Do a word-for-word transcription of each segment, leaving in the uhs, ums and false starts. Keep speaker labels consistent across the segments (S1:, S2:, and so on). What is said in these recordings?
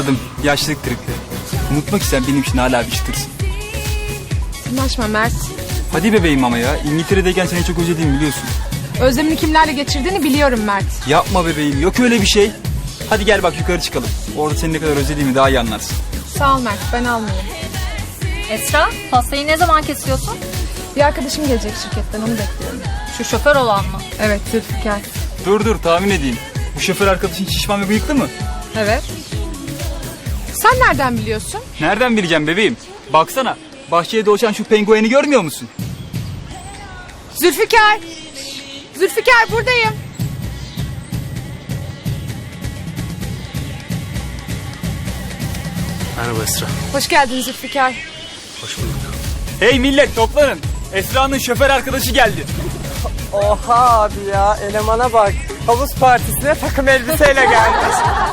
S1: Anladım. Yaşlılık tripleri. Unutmak isten benim için hala bir çıtırsın.
S2: Anlaşma Mert.
S1: Hadi bebeğim ama ya. İngiltere'deyken seni çok özlediğimi biliyorsun.
S2: Özlemini kimlerle geçirdiğini biliyorum Mert.
S1: Yapma bebeğim. Yok öyle bir şey. Hadi gel bak yukarı çıkalım. Orada seni ne kadar özlediğimi daha iyi anlarsın.
S2: Sağ ol Mert, ben almayayım.
S3: Esra, pastayı ne zaman kesiyorsun?
S2: Bir arkadaşım gelecek şirketten, onu bekliyorum.
S3: Şu şoför olan mı?
S2: Evet, Zülfikar.
S1: Dur dur tahmin edeyim. Bu şoför arkadaşın şişman ve bıyıklı mı?
S2: Evet. Sen nereden biliyorsun?
S1: Nereden bileceğim bebeğim? Baksana. Bahçeye dolaşan şu pengueni görmüyor musun?
S2: Zülfikar! Zülfikar, buradayım.
S4: Merhaba Esra.
S2: Hoş geldin Zülfikar.
S4: Hoş bulduk.
S1: Hey millet toplanın. Esra'nın şoför arkadaşı geldi.
S5: Oha abi ya, elemana bak. Havuz partisine takım elbiseyle gelmiş.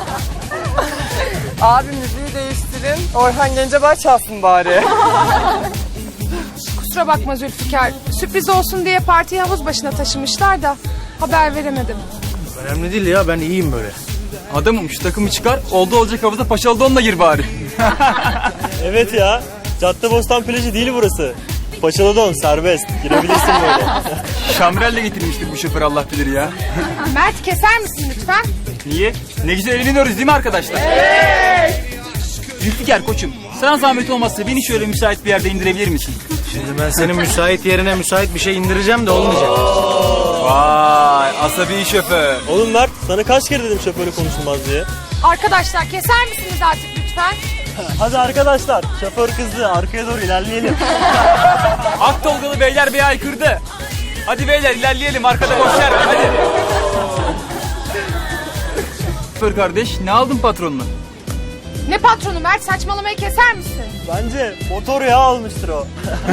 S5: Abi müziği değiştirin. Orhan Gencebay çalsın bari.
S2: Kusura bakma Zülfikar. Sürpriz olsun diye partiyi havuz başına taşımışlar da haber veremedim.
S4: Önemli değil ya, ben iyiyim böyle.
S1: Adamım şu takımı çıkar. Oldu olacak havuza paşalı donla gir bari.
S6: Evet ya. Caddebostan plajı değil burası. Paçalı don serbest. Girebilirsin böyle.
S1: Şamrelle getirmiştir bu şoför Allah bilir ya.
S2: Mert, keser misin lütfen?
S1: Niye? Ne güzel eğleniyoruz değil mi arkadaşlar? Evet. Zülfikar koçum. Sana zahmet olmazsa beni şöyle müsait bir yerde indirebilir misin?
S4: Şimdi ben senin müsait yerine müsait bir şey indireceğim de olmayacak.
S1: Vay asabi şoför.
S6: Oğlum Mert sana kaç kere dedim şoförü konuşulmaz diye.
S2: Arkadaşlar, keser misiniz artık lütfen?
S6: Hadi arkadaşlar şoför kızdı arkaya doğru ilerleyelim.
S1: Ak Tolgalı beyler bey aykırdı. Hadi beyler ilerleyelim arkada boş yer var hadi. Şoför kardeş ne aldın patronuna?
S2: Ne patronu Mert, saçmalamayı keser misin?
S6: Bence motor yağı almıştır o.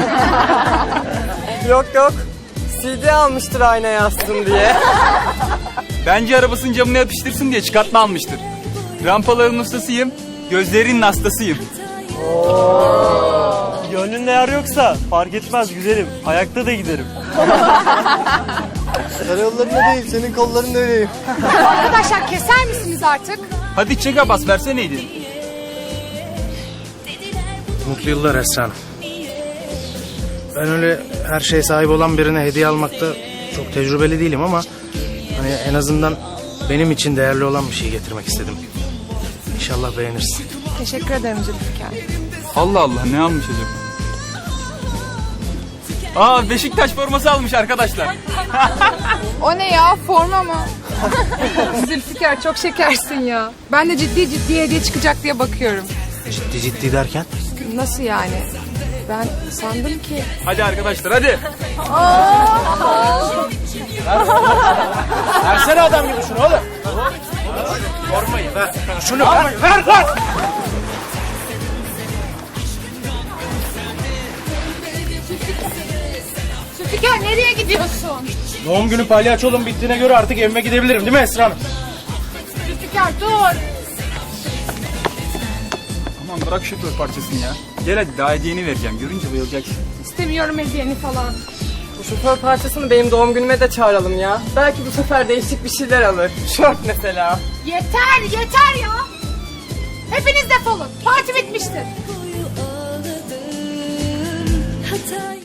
S5: Yok yok, C D almıştır aynaya yazsın diye.
S1: Bence arabasının camına yapıştırsın diye çıkartma almıştır. Rampaların ustasıyım, gözlerinin hastasıyım.
S6: Gönlünde yer yoksa fark etmez güzelim. Ayakta da giderim.
S5: Karayollarında değil, senin kollarında öyleyim.
S2: Arkadaşlar, keser misiniz artık?
S1: Hadi çeka bas verseneydin.
S4: Mutlu yıllar Esra Hanım. Ben öyle her şeye sahip olan birine hediye almakta çok tecrübeli değilim ama hani en azından benim için değerli olan bir şey getirmek istedim. İnşallah beğenirsin.
S2: Teşekkür ederim Zülfikar.
S1: Allah Allah ne almış acaba? Aa Beşiktaş forması almış arkadaşlar.
S2: O ne ya, forma mı? Zülfikar, çok şekersin ya. Ben de ciddi ciddi hediye çıkacak diye bakıyorum.
S4: Ciddi ciddi derken?
S2: Nasıl yani? Ben sandım ki...
S1: Hadi arkadaşlar hadi.
S4: Versene adam gibi şunu oğlum. Formayı ver. Şunu ver. Ver lan.
S2: Zülfikar, nereye gidiyorsun?
S4: Doğum günü palyaçolum bittiğine göre artık evime gidebilirim değil mi Esra Hanım?
S2: Zülfikar, dur.
S1: Aman bırak şoför parçasını ya. Gel hadi daha hediyeni vereceğim. Görünce bayılacaksın.
S2: İstemiyorum hediyeni falan.
S5: Bu şoför parçasını benim doğum günüme de çağıralım ya. Belki bu sefer değişik bir şeyler alır. Şort mesela.
S2: Yeter, yeter ya. Hepiniz defolun. Parti bitmiştir.
S7: Hatay